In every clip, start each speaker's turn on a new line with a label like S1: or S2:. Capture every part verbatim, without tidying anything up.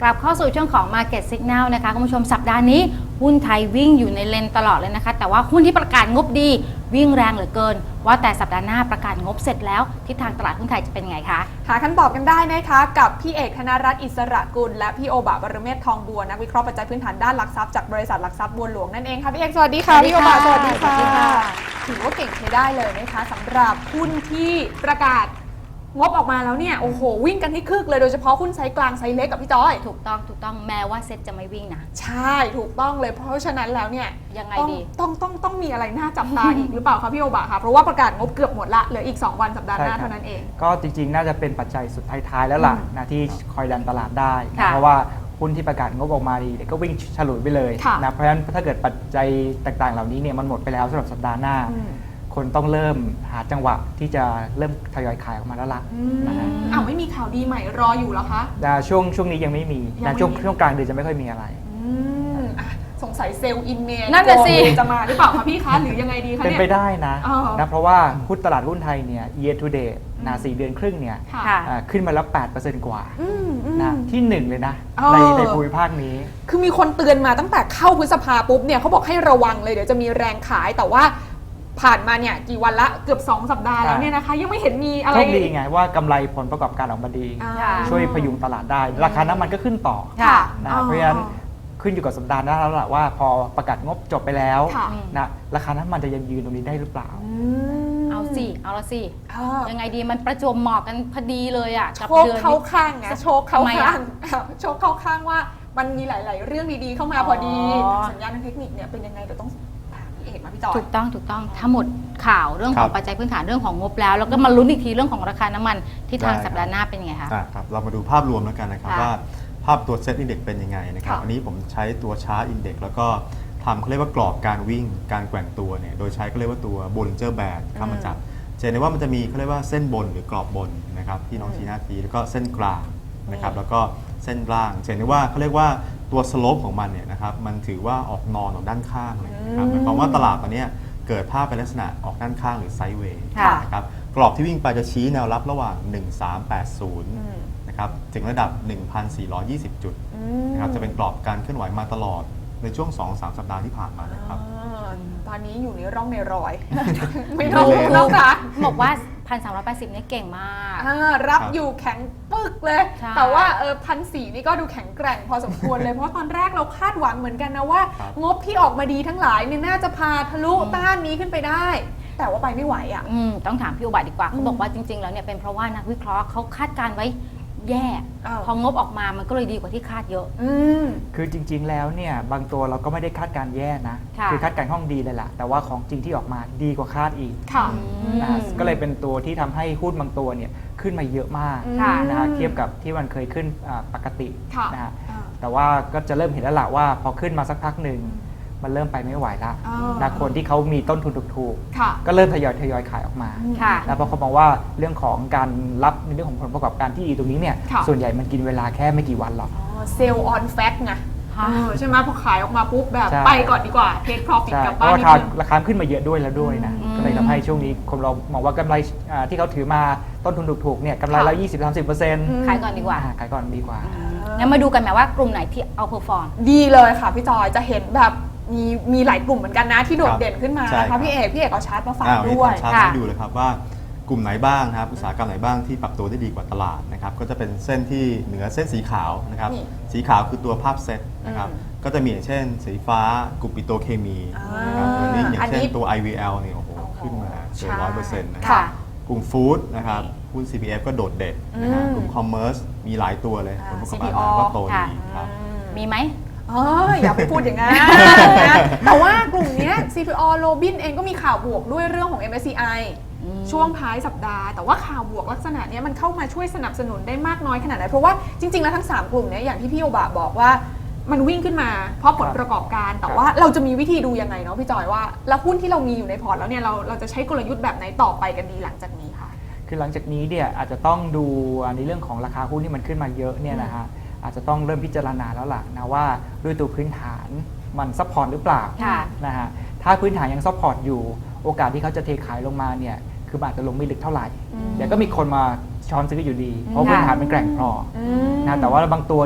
S1: ลับเข้าสู่ช่วงของ Market Signal นะคะคุณผู้ชมสัปดาห์นี้หุ้นไทยวิ่งอยู่ในเลนตลอดเลยนะคะแต่ว่าหุ้นที่ประกาศงบดีวิ่งแรงเหลือเกินว่าแต่สัปดาห์หน้าประกาศงบเสร็จแล้วทิศทางตลาดหุ้นไทยจะเป็นไงคะ
S2: หาคำตอบกันได้นะคะกับพี่เอกธนรัตน์อิสระกุลและพี่โอบะบรเมศทองบัวนักวิเคราะห์ปัจจัยพื้นฐานด้านหลักทรัพย์จากบริษัทหลักทรัพย์บัวหลวงนั่นเองค่ะพี่เอกสวัสดีค่ะพี่โอบะสวัสดีค่ะถือว่าเก่งใช้ได้เลยนะคะสำหรับหุ้นที่ประกาศงบออกมาแล้วเนี่ยโอ้โหวิ่งกันให้คึกเลยโดยเฉพาะหุ้นไซส์กลางไซส์เล็กกับพี่จอย
S1: ถูกต้องถูกต้องแม้ว่าเซ็ตจะไม่วิ่งนะ
S2: ใช่ถูกต้องเลยเพราะฉะนั้นแล้วเนี่ย
S1: ยังไงดี
S2: ต้องต้องต้องมีอะไรน่าจับตาอีกหรือเปล่าคะพี่โอบะคะเพราะว่าประกาศงบเกือบหมดละเหลืออีกสองวันสัปดาห์หน้าเท่านั้นเอง
S3: ก็จริงๆน่าจะเป็นปัจจัยสุดท้ายๆแล้วล่ะนะที่คอยดันตลาดได้นะเพราะว่าหุ้นที่ประกาศงบออกมาดีเดี๋ยวก็วิ่งฉลุยไปเลยนะเพราะฉะนั้นถ้าเกิดปัจจัยต่างๆเหล่านี้เนี่ยมันหมดไปแล้วสำหรับสัปดาห์หน้าคนต้องเริ่มหาจังหวะที่จะเริ่มทยอยขายออกมาแล้วล่ะ
S2: นะฮะอ้าวไม่มีข่าวดีใหม่รออยู่เหรอคะ
S3: ช่วงช่วงนี้ยังไม่มีนะช่วงช่วงกลางเดือนจะไม่ค่อยมีอะไร
S2: สงสัยเซลล์อินเม
S1: นั่นแหละสิ
S2: จะมาหรือเปล่าคะพี่คะหรือยังไงดีคะเนี่ย
S3: เป็นไปได้นะนะเพราะว่าหุ้นตลาดหุ้นไทยเนี่ย year to date นะสี่เดือนครึ่งเนี่ยขึ้นมาแล้ว แปดเปอร์เซ็นต์ กว่านะที่หนึ่งเลยนะในในภูมิภาคนี้
S2: คือมีคนเตือนมาตั้งแต่เข้าพฤษภาปุ๊บเนี่ยเขาบอกให้ระวังเลยเดี๋ยวจะมีแรงขายแต่ว่าผ่านมาเนี่ยกี่วันละเกือบสองสัปดาห์แล้วเนี่ยนะคะยังไม่เห็นมีอะไร
S3: โชคดีไงว่ากำไรผลประกอบการออกมาดีช่วยพยุงตลาดได้ราคาน้ำมันก็ขึ้นต่อนะเพราะฉะนั้นขึ้นอยู่กับสัปดาห์หน้าแล้วล่ะว่าพอประกาศงบจบไปแล้วนะราคาน้ำมันจะยังยืนตรงนี้ได้หรือเปล่า
S1: เอาสิเอาละสิยังไงดีมันประจวบเหมาะกันพอดีเลยอ่ะ
S2: กับเดือนเข้าข้างไงโชคเข้าข้างโชคเข้าข้างว่ามันมีหลายๆเรื่องดีๆเข้ามาพอดีสัญญาณทางเทคนิคเนี่ยเป็นยังไงเดี๋ยวต้อง
S1: ถูกต้องถูกต้องถ้าหมดข่าวเรื่องของปัจจัยพื้นฐานเรื่องของงบแล้วแล้วก็มาลุ้นอีกทีเรื่องของราคาน้ำมันที่ทางสัปดาห์หน้าเป็นยังไงคะ
S4: ครับเรามาดูภาพรวมแล้วกันนะครับว่าภาพตัวเซตอินเด็กซ์เป็นยังไงนะครับอันนี้ผมใช้ตัวชาร์ตอินเด็กซ์แล้วก็ทำเขาเรียกว่ากรอบการวิ่งการแกว่งตัวเนี่ยโดยใช้เขาเรียกว่าตัวโบลิงเจอร์แบนด์เข้ามาจับจะเห็นได้ว่ามันจะมีเขาเรียกว่าเส้นบนหรือกรอบบนนะครับที่น้องชี้หน้าทีแล้วก็เส้นกลางนะครับแล้วก็เส้นล่างจะเห็นได้ว่าเขาเรียกว่าตัวสโลปของมันเนี่ยนะครับมันถือว่าออกนอนออกด้านข้างเลยนะครับหมายความว่าตลาดตอนนี้เกิดภาพเป็นลักษณะออกด้านข้างหรือไซด์เวย์นะครับกรอบที่วิ่งไปจะชี้แนวรับระหว่างหนึ่งพันสามร้อยแปดสิบนะครับถึงระดับ หนึ่งพันสี่ร้อยยี่สิบ จุดนะครับจะเป็นกรอบการเคลื่อนไหวมาตลอดในช่วง สองถึงสาม สัปดาห์ที่ผ่านมานะครับ
S2: ตอนนี้อยู่ในร่องในรอยไม่รู้แล้วค่ะ
S1: บอกว่า หนึ่งพันสามร้อยแปดสิบ นี่เก่งมาก
S2: รับอยู่แข็งปึกเลยแต่ว่าเออพันสี่นี่ก็ดูแข็งแกร่งพอสมควรเลยเพราะตอนแรกเราคาดหวังเหมือนกันนะว่างบที่ออกมาดีทั้งหลายเนี่ยน่าจะพาทะลุต้านนี้ขึ้นไปได้แต่ว่าไปไม่ไหวอ่ะ
S1: ต้องถามพี่อุบัติดีกว่าเขาบอกว่าจริงๆแล้วเนี่ยเป็นเพราะว่านักวิเคราะห์เขาคาดการไว้แย่พองบออกมามันก็เลยดีกว่าที่คาดเยอะ
S3: คือจริงๆแล้วเนี่ยบางตัวเราก็ไม่ได้คาดการแย่นะคือคาดการห้องดีเลยล่ะแต่ว่าของจริงที่ออกมาดีกว่าคาดอีกนะก็เลยเป็นตัวที่ทำให้หุ้นบางตัวเนี่ยขึ้นมาเยอะมากนะเทียบกับที่มันเคยขึ้นปกตินะฮะแต่ว่าก็จะเริ่มเห็นแล้วล่ะว่าพอขึ้นมาสักพักหนึ่งมันเริ่มไปไม่ไหวแล้วนะคนที่เขามีต้นทุนถูกๆก็เริ่มทยอยทยอยขายออกมาแล้วพอเขาบอกว่าเรื่องของการรับในเรื่องของผลประกอบการที่ดีตรงนี้เนี่ยส่วนใหญ่มันกินเวลาแค่ไม่กี่วันหรอก
S2: เซลล์ออนแฟกต์ไงใช่ไหมพอขายออกมาปุ๊บแบบไปก่อนดีกว่าเทคพรอฟิตกลับบ้าน
S3: ราคาราคาขึ้นมาเยอะด้วยแล้วด้วยนะก็เลยทำให้ช่วงนี้คนเรามองว่ากำไรที่เขาถือมาต้นทุนถูกๆเนี่ยกำไรละ ยี่สิบถึงสามสิบเปอร์เซ็นต์
S1: ขายก่อนดีกว่า
S3: ขายก่อนดีกว่า
S1: งั้นมาดูกันไหมว่ากลุ่มไหนที่เอาเพอร์ฟอร์ม
S2: ดีเลยค่ะพี่จอยจะเห็นแบบมีมีหลายกลุ่มเหมือนกันนะที่โดดเด่นขึ้นมานะคะพี่เอกพี่เอกเอาชาร์ตมาฝากด้วย
S4: ชาร์ตให้ดูเลยครับว่ากลุ่มไหนบ้างครับอุตสาหกรรมไหนบ้างที่ปรับตัวได้ดีกว่าตลาดนะครับก็จะเป็นเส้นที่เหนือเส้นสีขาวนะครับสีขาวคือตัวภาพเซตนะครับก็จะมีอย่างเช่นสีฟ้ากลุ่มปิโตรเคมีนะครับอันนี้อย่างเช่นตัว ไอ วี แอล เนี่ยโอ้โหขึ้นมาเกินร้อยเปอร์เซ็นต์นะครับกลุ่มฟู้ดนะครับหุ้น ซี พี เอฟ ก็โดดเด่นนะครับกลุ่มคอมเมอร์สมีหลายตัวเลยผลประกอบการก็โตดีครับ
S1: มีไหม
S2: เอออย่าไปพูดอย่างนั้นนะแต่ว่ากลุ่มนี้ ซี พี โอ Robin เองก็มีข่าวบวกด้วยเรื่องของ เอ็ม เอส ซี ไอ ช่วงท้ายสัปดาห์แต่ว่าข่าวบวกลักษณะนี้มันเข้ามาช่วยสนับสนุนได้มากน้อยขนาดไหนเพราะว่าจริงๆแล้วทั้งสามกลุ่มนี้อย่างที่พี่โอบะบอกว่ามันวิ่งขึ้นมาเพราะผลประกอบการแต่ว่าเราจะมีวิธีดูยังไงเนาะพี่จอยว่าแล้วหุ้นที่เรามีอยู่ในพอร์ตแล้วเนี่ยเราเราจะใช้กลยุทธ์แบบไหนต่อไปกันดีหลังจากนี้ค่ะ
S3: คือหลังจากนี้เนี่ยอาจจะต้องดูในเรื่องของราคาหุ้นที่มันขึ้นมาเยอะเนี่ยนะฮะอาจจะต้องเริ่มพิจารณาแล้วล่ะนะว่าด้วยตัวพื้นฐานมันซัพพอร์ตหรือเปล่านะฮะถ้าพื้นฐานยังซัพพอร์ตอยู่โอกาสที่เขาจะเทขายลงมาเนี่ยคืออาจจะลงไม่ลึกเท่าไหร่เดี๋ยวก็มีคนมาช้อนซื้ออยู่ดีเพราะพื้นฐานมันแกร่งพอนะแต่ว่าบางตัวเนี่ย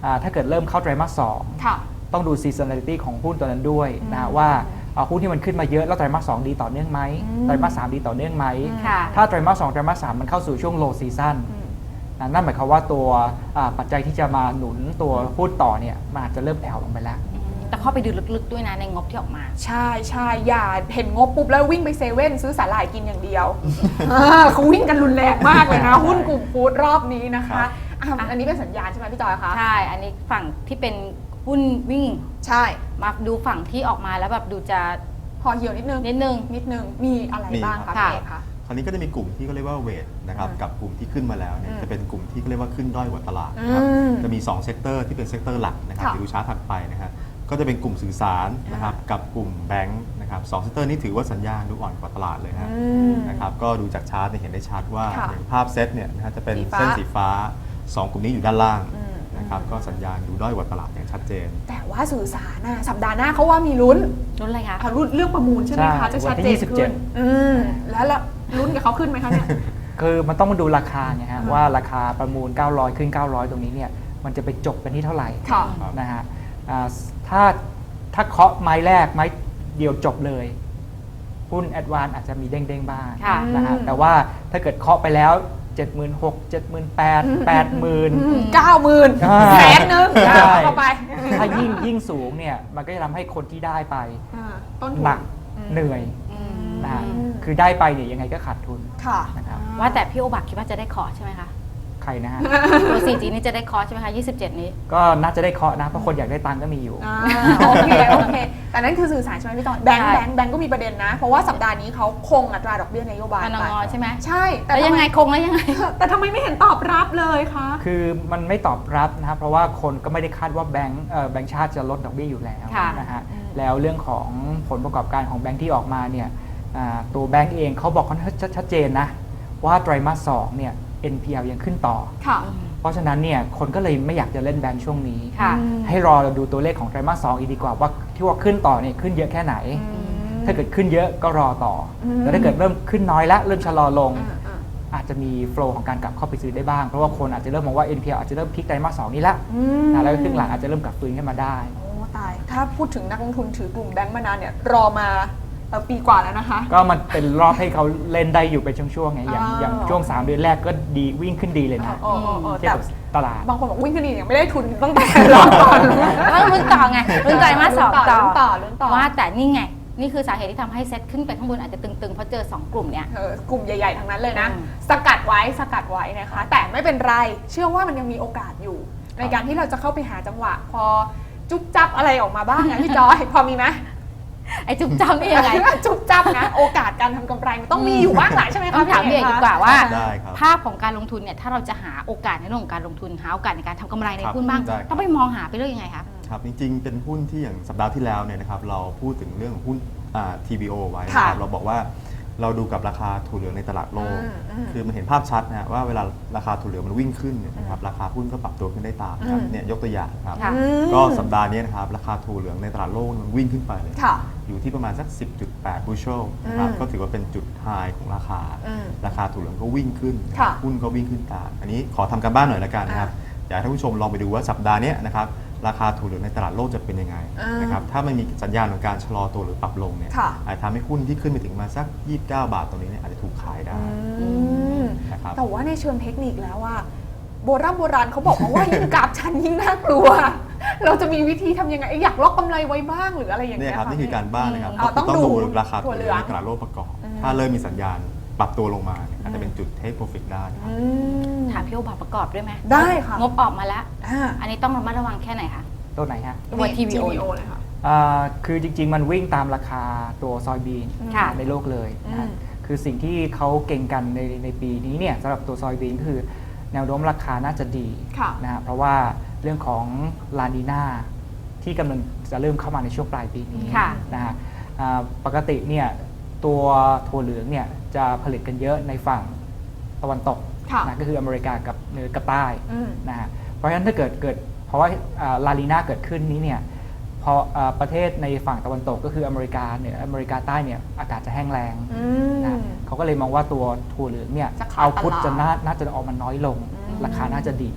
S3: อ่าถ้าเกิดเริ่มเข้าไตรมาสสอง
S2: ค่ะ
S3: ต้องดู seasonality ของหุ้นตัวนั้นด้วยนะฮะว่าอ่าหุ้นที่มันขึ้นมาเยอะแล้วไตรมาสสองดีต่อเนื่องไหม
S2: อืม
S3: ไตรมาสสามดีต่อเนื่องไหม
S1: ค่ะ
S3: ถ้าไตรมาสสองไตรมาสสามมันเข้าสู่ช่วง low season
S2: อืม
S3: นะนั่นหมายความว่าตัวอ่าปัจจัยที่จะมาหนุนตัวหุ้นต่อเนี่ยมันอาจจะเริ่มแผ่วลงไปแล้ว
S1: แต่เข้าไปดูลึกๆด้วยนะในงบที่ออกมา
S2: ใช่ใช่อย่าเห็นงบปุ๊บแล้ววิ่งไปเซเว่นซื้อสาหร่ายกินอย่างเดียวอ่าเขาวิ่งกันรุนแรงมากเลยนะ หุ้นกลุ่มฟู้ดรอบนี้นะคะอ่ะอันนี้เป็นสัญญาณใช่ไหมพี่จอยคะ
S1: ใช่ อันนี้ฝั่งที่เป็นหุ้นวิ่ง
S2: ใช่
S1: มาดูฝั่งที่ออกมาแล้วแบบดูจะ
S2: พอเหี่ยวนิดนึง
S1: นิดนึง
S2: นิดนึงมีอะไร
S4: มี
S2: บ้าง
S4: ครั
S2: คะ
S4: บ
S2: พี่เอกคะ
S4: คราวนี้ก็จะมีกลุ่มที่เขาเรียกว่าเวทนะครับ
S2: อืม
S4: กับกลุ่มที่ขึ้นมาแล้วเนี่ย
S2: อืม
S4: จะเป็นกลุ่มที่เขาเรียกว่าขึ้นด้อยกว่าตลาดนะครับ
S2: อืม
S4: จะมี2เซกเตอร์ที่เป็นเซกเตอร์หลักนะครับ
S2: ค่ะ
S4: เดี๋ยวดูชาร์ตถัดไปนะครับก็จะเป็นกลุ่มสื่อสารนะครับกับกลุ่มแบงค์นะครับสองเซกเตอร์นี้ถือว่าสัญญาณดูอ่อนกว่าตลาดเลยฮะ
S2: อืม
S4: นะครับก็ดูจากชาร์ตเนี่ยเห็นได้ชัดว่า
S2: ค่ะ
S4: อย่างภาพเซตเนี่ยนะฮะจะเป็น
S2: สีฟ้า
S4: เส้นสีฟ้าสองกลุ่มนี้อยู่ด้านล่าง
S2: อืม
S4: นะครับก็สัญญาณดูด้อยกว่าตลาดอย่างชัดเจน
S2: แต่ว่าสื่อสารน่ะสัปดาห์หน้าเขาว่ามีลุ้น
S1: รุ่นอะไรคะ
S2: อ่ะรุ่นเรื่องประมูลใช่ไหมคะ
S3: ใช่
S2: จะชัด
S3: วัน
S2: เจ
S3: ที่
S2: น
S3: ยี่สิบเจ็
S2: ขึ้
S3: ด
S2: นอืมแล้วละลุ้นกับเขาขึ้นไหมคะเนี่ย
S3: คือมันต้องมาดูราคาไงฮะ
S2: อ่า
S3: ว่าราคาประมูล เก้าร้อย ขึ้น เก้าร้อย ตรงนี้เนี่ยมันจะไปจบกันที่เท่าไหร่
S2: ค่ะ
S3: นะฮะอ่าถ้าถ้าเคาะไม้แรกไม้เดียวจบเลย หุ้นแอดวานอาจจะมีเด้งๆบ้าง
S1: ค่ะ
S3: นะฮะ
S2: อืม
S3: แต่ว่าถ้าเกิดเคาะไปแล้ว เจ็ดหมื่นหกพัน เจ็ดหมื่นแปดพัน แปดหมื่น
S2: เก้าหมื่น
S3: อ่า
S2: แสนหนึง
S3: ใช่
S2: เข้าไป
S3: ถ้ายิ่งยิ่งสูงเนี่ยมันก็จะทำให้คนที่ได้ไป
S2: อ่าต้นทุน
S3: หนัก
S2: อืม
S3: เหนื่อย
S1: อืม
S3: นะฮะ
S2: อืม
S3: คือได้ไปเนี่ยยังไงก็ขาดทุน
S2: ค่ะ
S3: นะครับ
S1: ว่าแต่พี่โอบักคิดว่าจะได้ขอใช่ไหมคะ
S3: ใครนะฮะ
S1: ตัว โฟร์จี นี่จะได้คอร์สใช่ไหมคะ ยี่สิบเจ็ด นี้
S3: ก็น่าจะได้เคาะนะ เพราะคนอยากได้ตังค์ก็มีอยู่
S2: อ่าโอเคโอเค แต่นั่นคือสื่อสารใช่ไหมพี่จอยแบงค์
S1: ใช่
S2: แบงค์แบงค์ก็มีประเด็นนะ เพราะว่าสัปดาห์นี้เขาคงอัตราดอกเบี้ยนโยบาย
S1: อน
S2: ไป
S1: งใช่ไหม
S2: ใช่ แต่
S1: แล้วยังไง
S2: ทำม
S1: คงแล้วยังไง
S2: แต่ทำไมไม่เห็นตอบรับเลยคะ
S3: คือมันไม่ตอบรับนะครับเพราะว่าคนก็ไม่ได้คาดว่าแบงก์เอ่อแบงก์ชาติจะลดดอกเบี้ยอยู่แล้ว
S1: ค่ะ
S3: นะฮะ
S2: อืม
S3: แล้วเรื่องของผลประกอบการของแบงก์ที่ออกมาเนี่ยอ่าตัวแบงก์เองเขาบอกค่อนข้างชัดเจนนะว่าไตรมาสสองเนี่ย เอ็น พี แอล ยังขึ้นต่อ
S2: ค่ะ
S3: เพราะฉะนั้นเนี่ยคนก็เลยไม่อยากจะเล่นแบงก์ช่วงนี้
S1: ค่ะ
S2: อืม
S3: ให้รอดูตัวเลขของไตรมาสสองอีกดีกว่าว่าที่ว่าขึ้นต่อเนี่ยขึ้นเยอะแค่ไหน
S2: อืม
S3: ถ้าเกิดขึ้นเยอะก็รอต่ออ
S2: ม
S3: แล้วถ้าเกิดเริ่มขึ้นน้อยละเริ่มชะลอลง
S2: อ่าอ่า
S3: อาจจะมีโฟลว์ของการกลับเข้าไปซื้อได้บ้าง เพราะว่าคนอาจจะเริ่มมองว่า เอ็น พี แอล อาจจะเริ่มพลิกไตรมาสสองนี้ละ
S2: อืม
S3: นะแล้วก็ครึ่งหลังอาจจะเริ่มกลับฟื้นขึ้นมาได้
S2: โอ้ตาย ถ้าพูดถึงนักลงทุนถือกลุ่มแบงก์มานานเนี่ยรอมาเอ่อปีกว่าแล้วนะคะ
S3: ก็มันเป็นรอบให้เขาเล่นได้อยู่เป็นช่วงๆไงอย่าง
S2: อ่า
S3: อย่างช่วง สาม เดือนแรกก็ดีวิ่งขึ้นดีเลยนะ
S2: เออเออเออ
S3: เทียบ
S2: แต่
S3: กับตลาด
S2: บางคนบอกวิ่งขึ้นดียังไม่ได้ทุนตั้งแต่รอก่อน
S1: ต้องลุ้นต่อไงลุ้นไตรมาสสองต่อ
S2: ลุ้นต่อลุ้นต่อ
S1: ว่าแต่นี่ไง นี่คือสาเหตุที่ทำให้เซ็ตขึ้นไปข้างบนอาจจะตึงๆ เพราะเจอ สอง กลุ่มเนี้ย
S2: เออกลุ่มใหญ่ ๆ ทั้งนั้นเลยนะ
S1: อืม
S2: สกัดไว้สกัดไว้นะคะ แต่ไม่เป็นไร เชื่อว่ามันยังมีโอกาสอยู่ ในการที่เราจะเข้าไปหาจังหวะ พอจุ๊บจับอะไรออกมาบ้างนะพี่จอย พอมีไหม
S1: ไอ้จุ๊บจ้ำนี่ยังไง
S2: จุ๊บจับนะ โอกาสการทำกำไรมันต้องมีอยู่บ้างแหละใช่ไหมคะ
S1: ต้องถามพี่เอกดีกว่าว่า
S4: ได้ครับ
S1: ภาพของการลงทุนเนี่ยถ้าเราจะหาโอกาสในเรื่องของการลงทุนหาโอกาสในการทำกำไรใน
S4: ครับ
S1: หุ้นบ้าง
S4: ได้ครับ
S1: ต้องไปมองหาไปเรื่องยังไงคะ
S4: ครับจริงๆ เป็นหุ้นที่อย่างสัปดาห์ที่แล้วเนี่ยนะครับเราพูดถึงเรื่องของหุ้นอ่า ที บี โอ ไว้นะค
S2: ค่ะ
S4: รับเราบอกว่าเราดูกับราคาถั่วเหลืองในตลาดโลก
S2: อืมอืม
S4: คือมันเห็นภาพชัดนะฮะว่าเวลาราคาถั่วเหลืองมันวิ่งขึ้นเนี่ยนะครับราคาหุ้นก็ปรับตัวขึ้นได้ตามนะครับ
S2: อืม
S4: เนี่ยยกตัวอย่างครับ
S1: ค่ะ
S2: อืม
S4: ก็สัปดาห์นี้นะครับราคาถั่วเหลืองในตลาดโลกมันวิ่งขึ้นไปเลย
S2: ค่ะ
S4: อยู่ที่ประมาณสัก สิบจุดแปด บูชเชลนะครับ
S2: อืม
S4: ก็ถือว่าเป็นจุดไฮของราคา
S2: อืม
S4: ราคาถั่วเหลืองก็วิ่งขึ้น
S2: ค่ะ
S4: หุ้นก็วิ่งขึ้นตามอันนี้ขอทำการบ้านหน่อยละกันนะครับอยากให้ท่านผู้ชมลองไปดูว่าสัปดาห์เนี้ยนะครับราคาถั่วเหลืองในตลาดโลกจะเป็นยังไง
S2: อ่าน
S4: นะครับถ้ามันมีสัญญาณของการชะลอตัวหรือปรับลงเนี่ย
S2: ค่ะ
S4: อาจทำให้หุ้นที่ขึ้นไปถึงมาสักยี่สิบเก้าบาทตรงนี้เนี่ยอาจจะถูกขายได้
S2: อืม
S4: นะครับ
S2: แต่ว่าในเชิงเทคนิคแล้วว่าโบราณโบราณเขาบอกมาว่า ยิ่งกราฟชันยิ่งน่ากลัว เราจะมีวิธีทำยังไงอยากล็อกกำไรไว้บ้างหรืออะไรอย่าง
S4: เนี่
S2: เงี้
S4: ย
S2: ย
S4: ครับนี่คือการบ้านนะครับ
S2: อ๋อ
S4: ก็
S2: ต้อง
S4: ต้อง
S2: ดู
S4: ดูราคาถั่วเหลือง
S2: ถั่วเหลือง
S4: ในตลาดโลกประกอบ
S2: อืม
S4: ถ้าเริ่มมีสัญญาณปรับตัวลงมาเนี่ยอาจจะเป็นจุด take profit ได้นะครับ
S2: อืม
S1: ถามพี่โอบาประกอบด้วยไหม
S2: ได้ค่ะ
S1: งบออกมาแล้ว
S2: อ่า
S1: อันนี้ต้องระมัดระวังแค่ไหนคะ
S3: ตัวไหนฮะ
S1: ตัว ที บี โอ
S2: เลยค่ะ
S3: อ่าคือจริงๆ มันวิ่งตามราคาตัวซอยบีน
S1: ค่ะ
S3: ในโลกเลยนะฮะ
S2: อืม
S3: คือสิ่งที่เขาเก่งกันในในปีนี้เนี่ยสำหรับตัวซอยบีนก็คือแนวโน้มราคาน่าจะดี
S2: ค่ะ
S3: นะฮะเพราะว่าเรื่องของลานีนาที่กำลังจะเริ่มเข้ามาในช่วงปลายปีนี้
S1: ค่ะ
S3: นะฮะอ่าปกติเนี่ยตัวถั่วเหลืองเนี่ยจะผลิตกันเยอะในฝั่งตะวันตก
S2: ค่ะ
S3: นะก็คืออเมริกากับเหนือกับใต้
S2: อืม
S3: นะฮะเพราะฉะนั้นถ้าเกิดเกิดเพราะว่าลาลีนาเกิดขึ้นนี้เนี่ยพออ่าประเทศในฝั่งตะวันตกก็คืออเมริกาเหนืออเมริกาใต้เนี่ยอากาศจะแห้งแล้ง
S2: อืม
S3: นะเขาก็เลยมองว่าตัวถั่วเหลืองเนี่ย
S2: จะขาด
S3: เอาพุท
S2: ตลาด
S3: จะน่าน่าจะออกมาน้อยลง
S2: อืม
S3: ราคาน่าจะดี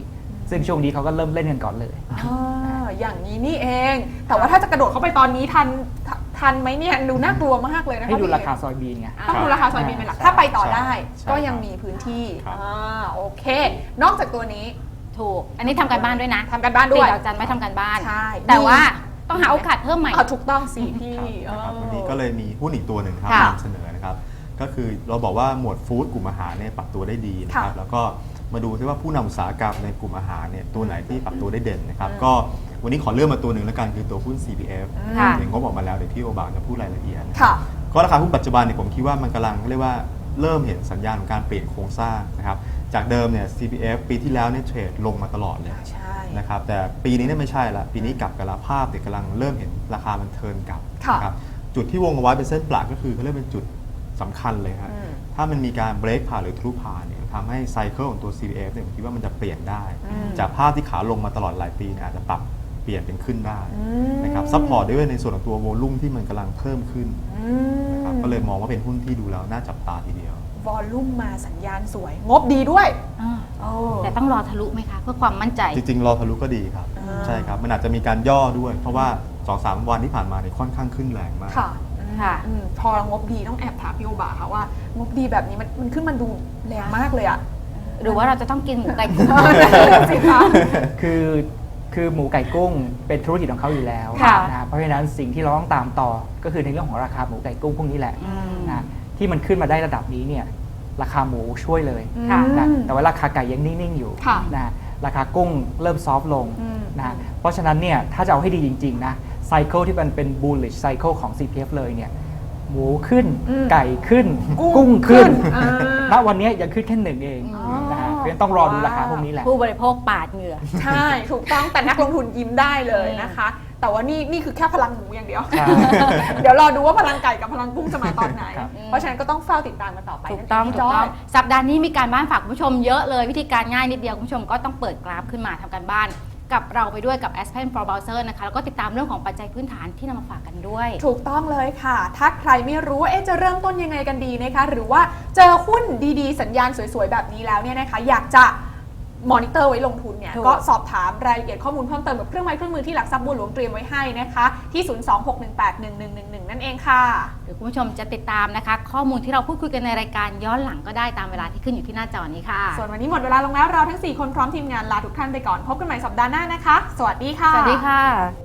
S3: ซึ่งช่วงนี้เขาก็เริ่มเล่นกันก่อนเลย
S2: อ่าอย่างนี้นี่เอง แต่ว่าถ้าจะกระโดดเข้าไปตอนนี้ทันททันไหมเนี่ยดูน่ากลัวมากเลยนะคะ
S3: ให้ดู
S2: พี่
S3: ราคาซอยบีนไง
S2: ต้องดูราคาซอยบินเป็นหลัก
S3: ใช่
S2: ถ้าไปต่อได้
S4: ใช่
S2: ก็ยังมีพื้นที่
S4: ครับ
S2: อ่าโอเค นอกจากตัวนี้
S1: ถูก อันนี้ทำการบ้านด้วยนะ
S2: ทำกันบ้านด้วย
S1: ติดดาวจันไม่ทำการบ้าน
S2: ใช่
S1: แต่ว่าต้องหาโอกาสเพิ่มใหม่
S2: อ่าถูกต้องสิพี่
S4: ครับนะครับ
S2: เออ
S4: วันนี้ก็เลยมีหุ้นอีกตัวหนึ่งครับ
S1: ค่ะ
S4: นำเสนอนะครับก็คือเราบอกว่าหมวดฟู้ดกลุ่มอาหารเนี่ยปรับตัวได้ดีนะครับ
S2: ค่ะ
S4: แล้วก็มาดูที่ว่าผู้นำอุตสาหกรรมในกลุ่มอาหารเนี่ยตัวไหนที่ปรับตัวได้เด่นนะครับ
S2: อืม
S4: ก็วันนี้ขอเลือกมาตัวหนึ่งแล้วกันคือตัวหุ้น ซี พี เอฟ
S1: ค่ะ
S4: เดี๋ยวงบออกมาแล้วเดี๋ยวพี่โอบางจะพูดรายละเอียดนะ
S2: ค่ะ
S4: ก็ราคาหุ้นปัจจุบันเนี่ยผมคิดว่ามันกำลังเรียกว่าเริ่มเห็นสัญญาณของการเปลี่ยนโครงสร้างนะครับจากเดิมเนี่ย ซี พี เอฟ ปีที่แล้วเนี่ยเทรดลงมาตลอดเลย
S2: ใช่
S4: นะครับแต่ปีนี้เนี่ยไม่ใช่ละปีนี้กลับกันละภาพเนี่ยกำลังเริ่มเห็นราคามันเทิร์นกลับ
S2: ค่ะ
S4: นะครับจุดที่วงเอาไว้เป็นเส้นปลาก็คือเขาเรียกเป็นจุดสำคัญเลยครับ
S2: อืม
S4: ถ้ามันมีการเบรกผ่านหรือทะลุผ่านเนี่ยทำให้ไซเคิลของตัว ซี พี เอฟ เนี่ยผมคิดว่ามันจะเปลี่ยนได้
S2: อืม
S4: จากภาพที่ขาลงมาตลอดหลายปีเนี่ยอาจจะปรับเปลี่ยนเป็นขึ้นได้
S2: อืม
S4: นะครับซัพพอร์ตด้วยในส่วนของตัวโวลุ่มที่มันกำลังเพิ่มขึ้น
S2: อืม
S4: นะครับก็เลยมองว่าเป็นหุ้นที่ดูแล้วน่าจับตาทีเดียว
S2: วอลลุ่มมาสัญญาณสวย งบดีด้วย
S1: อ่า
S2: โอ้
S1: แต่ต้องรอทะลุไหมคะ เพื่อความมั่นใจ
S4: จริงๆ รอทะลุก็ดีครับ
S2: อ่า
S4: ใช่ครับ มันอาจจะมีการย่อด้วย เพราะว่า สองสาม วันที่ผ่านมาเนี่ยค่อนข้างขึ้นแรงมาก
S2: ค่ะ
S1: ค่ะ
S2: อืมพองบดีต้องแอบถามพี่โอบาค่ะว่างบดีแบบนี้มันมันขึ้นมันดูแรงมากเลยอะ
S1: หรือว่าเราจะต้องกินหมูไก่กุ้ง
S2: สิคะ
S3: คือคือหมูไก่กุ้งเป็นธุรกิจของเขาอยู่แล้ว
S1: ค่ะ
S3: นะเพราะฉะนั้นสิ่งที่เราต้องตามต่อก็คือในเรื่องของราคาหมูไก่กุ้งพวกนี้แหละ
S1: อืม
S3: นะที่มันขึ้นมาได้ระดับนี้เนี่ยราคาหมูช่วยเลย
S1: ค่ะ
S3: นะแต่ว่าราคาไก่ยังนิ่ง ๆ อยู่
S2: ค่ะ
S3: นะราคากุ้งเริ่มซอฟต์ลง
S2: อืม
S3: นะเพราะฉะนั้นเนี่ยถ้าจะเอาให้ดีจริง ๆ นะไซเคิลที่มันเป็น bullish cycle ของ ซี พี เอฟ เลยเนี่ยหมูขึ้น
S2: อืม
S3: ไก่ขึ้น
S2: กุ้ง
S3: กุ้งขึ้น
S2: ขึ้นอ่า
S3: ณวันนี้ยังขึ้นแค่หนึ่งเอง
S2: อ๋อ
S3: นะฮะเพราะฉะนั้นต้องรอดูราคาพวกนี้แหละ
S1: ผู้บริโภคปาดเหงื่อ
S2: ใช่ ถูกต้องแต่นักลงทุนยิ้มได้เลยนะคะ แต่ว่านี่นี่คือแค่พลังหมูอย่างเดียว
S3: ใช่
S2: เดี๋ยวรอดูว่าพลังไก่กับพลังกุ้งจะมาตอนไหน
S3: ครับ
S2: เพราะฉะนั้นก็ต้องเฝ้าติดตามกันต่อไป
S1: ถูกต้อง
S2: นั่น
S1: ถู
S2: เ
S1: กต้อง
S2: พี่จย
S1: สัปดาห์นี้มีการบ้านฝากคุณผู้ชมเยอะเลย วิธีการง่ายนิดเดียวคุณผู้ชมก็ต้องเปิดกราฟขึ้นมาทำการบ้าน กับเราไปด้วยกับ Aspen for Browser นะคะ แล้วก็ติดตามเรื่องของปัจจัยพื้นฐานที่นำมาฝากกันด้วย
S2: ถูกต้องเลยค่ะ ถ้าใครไม่รู้ว่าเอ๊ะจะเริ่มต้นยังไงกันดีนะคะ หรือว่าเจอหุ้นดีๆ สัญญาณสวยๆ แบบนี้แล้วเนี่ยนะคะ อยากจะมอนิเตอร์ไว้ลงทุนเนี่ย
S1: ถูก
S2: ก็สอบถามรายละเอียดข้อมูลเพิ่มเติมกับเครื่องไม้เครื่องมือที่หลักทรัพย์บัวหลวงเตรียมไว้ให้นะคะ ที่ ศูนย์ สอง หก หนึ่ง แปด หนึ่ง หนึ่ง หนึ่ง หนึ่ง นั่นเองค่ะ
S1: หรือคุณผู้ชมจะติดตามนะคะ ข้อมูลที่เราพูดคุยกันในรายการย้อนหลังก็ได้ตามเวลาที่ขึ้นอยู่ที่หน้าจอนี้ค่ะ
S2: ส่วนวันนี้หมดเวลาลงแล้วเราทั้งสี่คนพร้อมทีมงานลาทุกท่านไปก่อนพบกันใหม่สัปดาห์หน้านะคะ สวัสดีค่ะ
S1: สวัสดีค่ะ